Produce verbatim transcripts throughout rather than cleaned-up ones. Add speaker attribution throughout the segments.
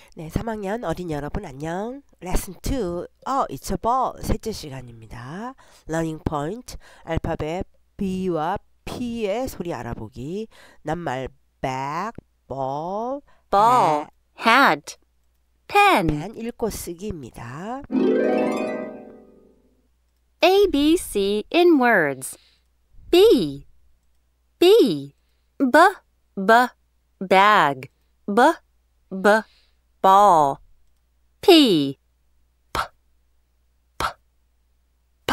Speaker 1: 네, 삼 학년 어린이 여러분 안녕. 레슨 투, 어, It's a ball 셋째 시간입니다. 러닝 포인트, 알파벳 B와 P의 소리 알아보기. 낱말 bag, ball,
Speaker 2: ball, hat, pen.
Speaker 1: pen 읽고 쓰기입니다.
Speaker 2: A, B, C in words. B, B, B, B, bag, B, B, ball. P, P, P, P,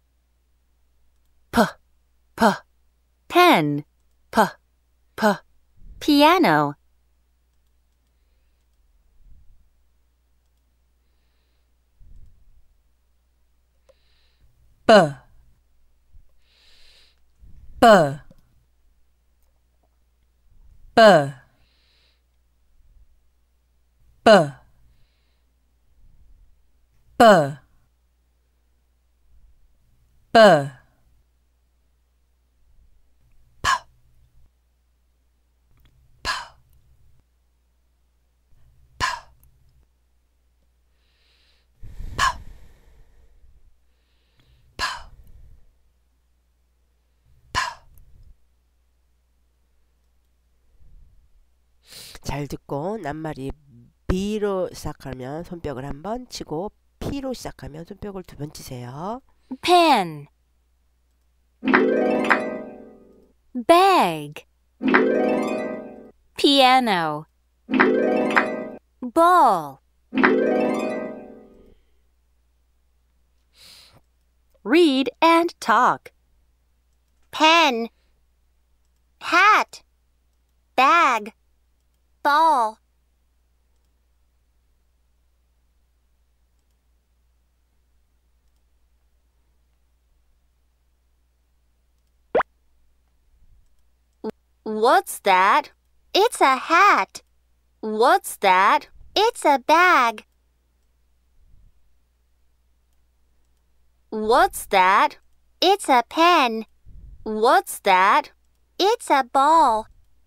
Speaker 2: P, P, pen, P, P, piano.
Speaker 3: B B B B B B P P P
Speaker 1: 잘 듣고 낱말이 B로 시작하면 손뼉을 한 번 치고 P로 시작하면 손뼉을 두 번 치세요.
Speaker 2: pen, bag, piano, ball. Read and talk. Pen, hat, bag, ball. What's that? It's a hat. What's that? It's a bag. What's that? It's a pen. What's that? It's a ball.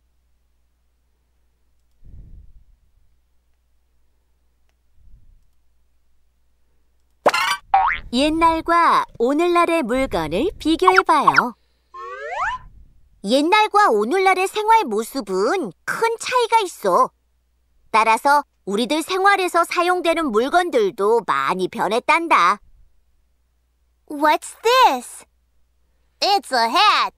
Speaker 2: 옛날과 오늘날의 물건을 비교해봐요. 옛날과 오늘날의 생활 모습은 큰 차이가 있어. 따라서 우리들 생활에서 사용되는 물건들도 많이 변했단다. What's this? It's a hat.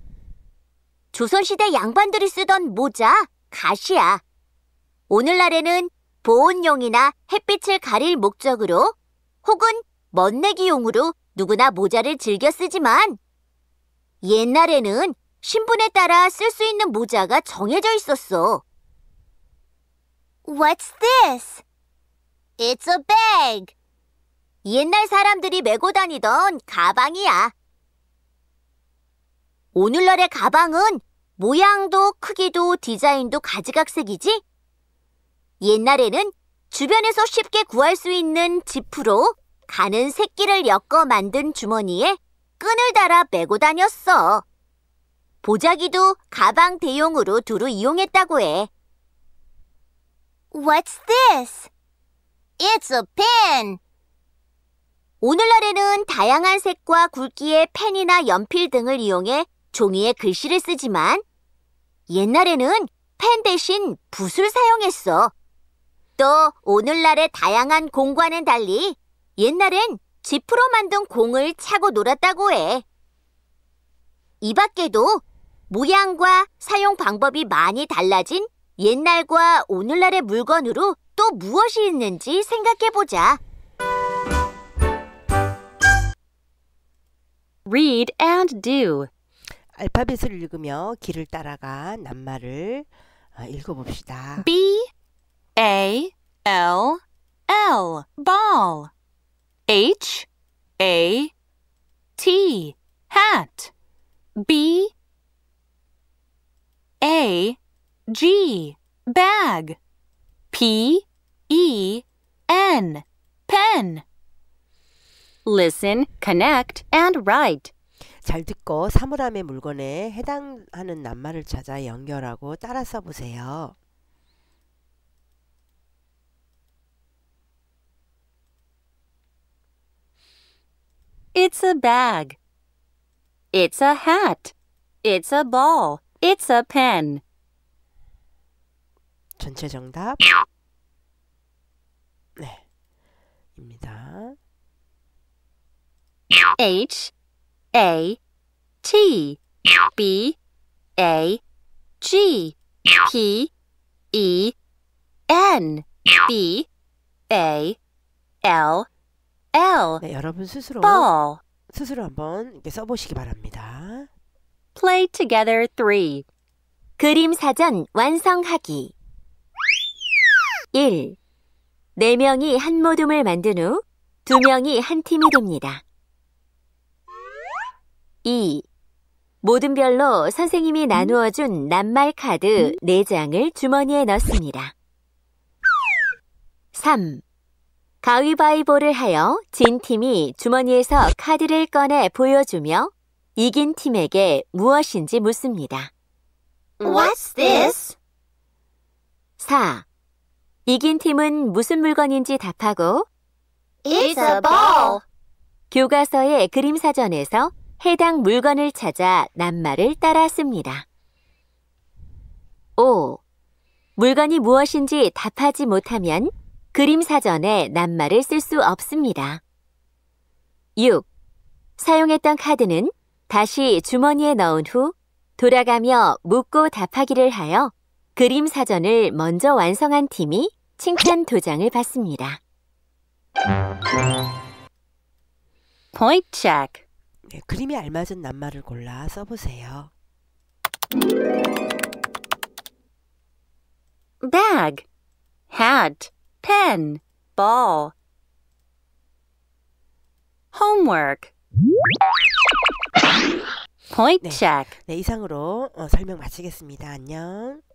Speaker 2: 조선시대 양반들이 쓰던 모자, 갓이야. 오늘날에는 보온용이나 햇빛을 가릴 목적으로 혹은 멋내기용으로 누구나 모자를 즐겨 쓰지만 옛날에는 신분에 따라 쓸 수 있는 모자가 정해져 있었어. What's this? It's a bag. 옛날 사람들이 메고 다니던 가방이야. 오늘날의 가방은 모양도 크기도 디자인도 가지각색이지? 옛날에는 주변에서 쉽게 구할 수 있는 지프로 가는 새끼를 엮어 만든 주머니에 끈을 달아 메고 다녔어. 보자기도 가방 대용으로 두루 이용했다고 해. What's this? It's a pen. 오늘날에는 다양한 색과 굵기의 펜이나 연필 등을 이용해 종이에 글씨를 쓰지만 옛날에는 펜 대신 붓을 사용했어. 또 오늘날의 다양한 공과는 달리 옛날엔 지프로 만든 공을 차고 놀았다고 해. 이 밖에도 모양과 사용 방법이 많이 달라진 옛날과 오늘날의 물건으로 또 무엇이 있는지 생각해보자. Read and do.
Speaker 1: 알파벳을 읽으며 길을 따라가 낱말을 읽어봅시다.
Speaker 2: B, A, L, L, ball. H, A, T, hat. B, A, G, bag. P, E, N, pen. Listen, connect, and write.
Speaker 1: 잘 듣고 사물함의 물건에 해당하는 낱말을 찾아 연결하고 따라 써보세요.
Speaker 4: It's a bag. It's a hat. It's a ball. It's a pen.
Speaker 1: 전체 정답. 네. 입니다.
Speaker 4: H A T B A G P E N B A L L
Speaker 1: 네, 여러분 스스로
Speaker 4: ball.
Speaker 1: 스스로 한번 이렇게 써보시기 바랍니다.
Speaker 4: Play together three.
Speaker 2: 그림 사전 완성하기. 일. 네 명이 한 모둠을 만든 후 두 명이 한 팀이 됩니다. 이. 모둠별로 선생님이 나누어준 낱말 카드 네 장을 주머니에 넣습니다. 삼. 가위바위보를 하여 진 팀이 주머니에서 카드를 꺼내 보여주며 이긴 팀에게 무엇인지 묻습니다.
Speaker 5: What's this?
Speaker 2: 사. 이긴 팀은 무슨 물건인지 답하고
Speaker 5: It's a ball.
Speaker 2: 교과서의 그림 사전에서 해당 물건을 찾아 낱말을 따라 씁니다. 오. 물건이 무엇인지 답하지 못하면 그림 사전에 낱말을 쓸 수 없습니다. 육. 사용했던 카드는 다시 주머니에 넣은 후 돌아가며 묻고 답하기를 하여 그림 사전을 먼저 완성한 팀이 칭찬 도장을 받습니다.
Speaker 4: Point check.
Speaker 1: 네, 그림에 알맞은 낱말을 골라 써보세요.
Speaker 4: Bag, hat, pen, ball. Homework. Point
Speaker 1: 네.
Speaker 4: check.
Speaker 1: 네, 이상으로 어, 설명 마치겠습니다. 안녕.